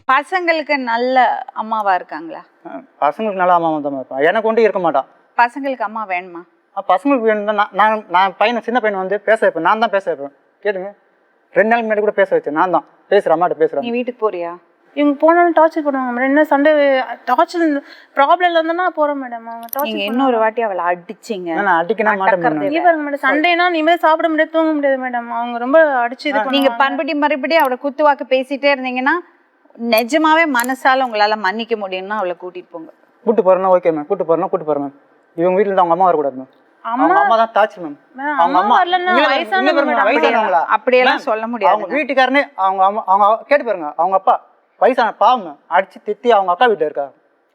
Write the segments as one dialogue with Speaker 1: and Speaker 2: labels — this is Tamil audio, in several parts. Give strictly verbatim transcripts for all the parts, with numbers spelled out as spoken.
Speaker 1: பசங்களுக்கு நல்ல அம்மாவா இருக்காங்களா?
Speaker 2: பசங்களுக்கு நல்ல அம்மாவா தான் இருப்பான். எனக்கு ஒன்றும் இருக்க மாட்டான்.
Speaker 1: பசங்களுக்கு அம்மா வேணுமா?
Speaker 2: பசங்களுக்கு வேணும் தான். நான் நான் பையனை சின்ன பையனை வந்து பேச வைப்பேன். நான் தான் பேச வைப்பேன். கேட்டுங்க, ரெண்டு நாள் முன்னாடி கூட பேச வச்சேன். நான் தான் பேசுகிறேன், அம்மாட்ட பேசுகிறேன்.
Speaker 1: நீ வீட்டுக்கு போறியா?
Speaker 3: இவங்க போனாலும் டார்ச்சர் பண்ணுவாங்க மேடம். என்ன சண்டை டார்ச்சர் ப்ராப்ளம்ல இருந்தா போறோம் மேடம். அவங்க
Speaker 1: டார்ச்சர் இன்னொரு வாட்டி அவளை அடிச்சிங்க.
Speaker 2: நான் அடிக்கனா மாட்டேன்.
Speaker 3: நீ பாருங்க மேடம், சண்டைனா நிம்மதியா சாப்பிட முடியாது, தூங்க முடியாது மேடம். அவங்க ரொம்ப அடிச்சு இது பண்ணுவாங்க.
Speaker 1: நீங்க பண்படி மறுபடி அவளை குத்துவாக்கு பேசிட்டே இருந்தீங்கன்னா நிஜமாவே மனசால உங்களால மன்னிக்க முடியும்னா அவளை கூட்டிட்டு போங்க.
Speaker 2: கூட்டு போறேன்னா ஓகே மேம், கூட்டு போறேன்னா கூட்டு போறேன் மேம். இவங்க வீட்டுல இருந்து அவங்க அம்மா வரக்கூடாது மேம். அவங்க அம்மா தான் டார்ச்சர் மேம். அவங்க அம்மா வயசானவங்களா
Speaker 1: அப்படியெல்லாம் சொல்ல முடியாது.
Speaker 2: அவங்க வீட்டுக்காரனே அவங்க அம்மா அவங்க கேட்டு பாருங்க. அவங்க அப்பா வயசான பாவம் அடிச்சு திட்டி அவங்க அக்கா வீட்டுல இருக்கா.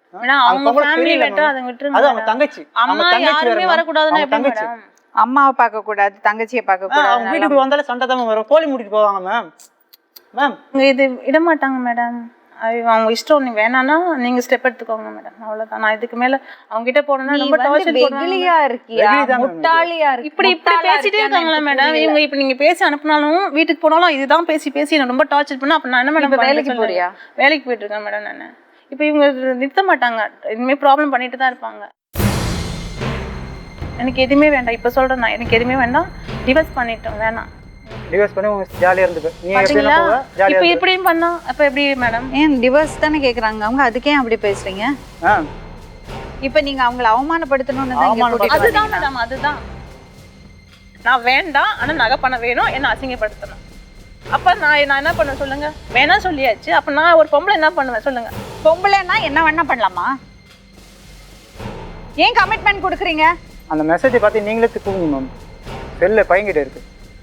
Speaker 1: அம்மாவை பார்க்க கூடாது, தங்கச்சியை பார்க்க கூடாது.
Speaker 2: வீட்டுக்கு வந்தாலும் சண்டை தான் வரும். கோழி மூட்டிட்டு போவாங்க மேம். மேம்
Speaker 3: இது விட மாட்டாங்க மேடம். அவங்க இஷ்டம். நீங்க வேணாம்னா நீங்க ஸ்டெப் எடுத்துக்கோங்க மேடம். அவ்வளவுதான். நான் இதுக்கு மேல அவங்க கிட்ட போனேன்னா ரொம்ப டார்ச்சர்
Speaker 1: வெகுளியா இருக்கியா, முட்டாளியா இருக்கு.
Speaker 3: இப்படி இப்படி பேசிட்டே இருக்காங்களா மேடம் இவங்க? இப்ப நீங்க பேசி அனுப்புனாலும் வீட்டுக்கு போனாலும் இதுதான் பேசி பேசி என்ன ரொம்ப டார்ச்சர் பண்ணா. அப்ப நான் என்ன மேடம்
Speaker 1: வேலைக்கு போறியா?
Speaker 3: வேலைக்கு போயிட்டு இருக்கேன் மேடம் நானு. இப்ப இவங்க நிறுத்த மாட்டாங்க. இனிமே ப்ராப்ளம் பண்ணிட்டு தான் இருப்பாங்க. எனக்கு எதுவுமே வேண்டாம். இப்ப சொல்றேன் நான், எனக்கு எதுவுமே வேண்டாம். டிவோர்ஸ் பண்ணிட்டோம், வேணாம்.
Speaker 2: டிவோர்ஸ் பண்ணி உங்க ஜாலியா இருந்துக்கு. நீங்க எப்படினா ஜாலியா
Speaker 3: இப்ப இப்படியும் பண்ணா அப்ப எப்படி மேடம்?
Speaker 1: ஏன் டிவோர்ஸ் தானே கேக்குறாங்க அவங்க, அதுக்கே அப்படி பேசுறீங்க? இப்ப நீங்க அவங்கள அவமானப்படுத்தணும்னு தான் இங்க கூட்டிட்டு.
Speaker 3: அதுதான் மேடம், அதுதான். நான் வேண்டாம், ஆனா நகை பண்ண வேணும், என்ன அசிங்கப்படுத்தணும். அப்ப நான் நான் என்ன பண்ண சொல்லுங்க? வேணா சொல்லியாச்சு. அப்ப நான் ஒரு பொம்பளை என்ன பண்ணுவேன் சொல்லுங்க?
Speaker 1: பொம்பளைன்னா என்ன வேணா பண்ணலாமா? ஏன் கமிட்மெண்ட் கொடுக்குறீங்க?
Speaker 2: அந்த மெசேஜை பார்த்து நீங்களே தூக்குங்க மேம். செல்ல பையன்கிட்ட இருக்கு.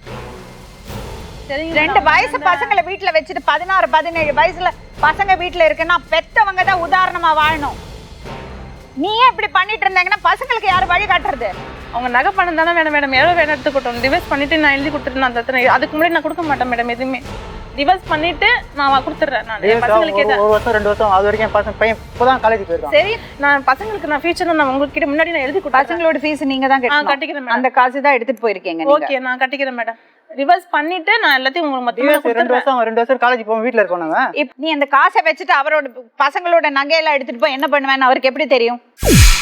Speaker 1: ரெண்டு வயசு பசங்களை வீட்டுல வச்சுட்டு பதினாறு பதினேழு வயசுல பசங்க வீட்டுல இருக்குன்னா பெத்தவங்க தான் உதாரணமா வாழணும். நீயே இப்படி பண்ணிட்டு இருந்தாங்கன்னா பசங்களுக்கு யாரு வழி காட்டுறது?
Speaker 3: அவங்க நகை பணம் தானே மேடம். மேடம் எவ்வளோ வேணும் எடுத்துக்கிட்டோம். டிவைஸ் பண்ணிட்டு நான் எழுதி கொடுத்துட்டு நான் தத்துறேன். அதுக்கு முன்னாடி நான் கொடுக்க மாட்டேன் மேடம் எதுவுமே. டிவைஸ் பண்ணிட்டு நான் கொடுத்துட்றேன். நான் பசங்களுக்கு
Speaker 2: ஒரு வருஷம் ரெண்டு வருஷம் அது வரைக்கும் பசங்க பையன் இப்போதான் காலேஜ் போயிருக்கான்.
Speaker 3: சரி, நான் பசங்களுக்கு நான் ஃபியூச்சர்ல நான் உங்ககிட்ட முன்னாடி நான் எழுதி கொடுத்தேன்.
Speaker 1: பசங்களோட ஃபீஸ் நீங்க தான் கட்டணும்.
Speaker 3: கட்டிக்கிறேன்.
Speaker 1: அந்த காசு தான் எடுத்துட்டு போயிருக்கீங்க.
Speaker 3: ஓகே, நான் கட்டிக்கிறேன் மேடம். ரிவர்ஸ் பண்ணிட்டு நான் எல்லாத்தையும் உங்களுக்கு மொத்தமா
Speaker 2: ரெண்டு வருஷம் ரெண்டு வருஷம் காலேஜ் போவோம், வீட்ல இருக்கோம் நாங்க.
Speaker 1: நீ அந்த காசை வச்சுட்டு அவரோட பசங்களோட நகையெல்லாம் எடுத்துட்டு போய் என்ன பண்ணுவேன்னு அவருக்கு எப்படி தெரியும்?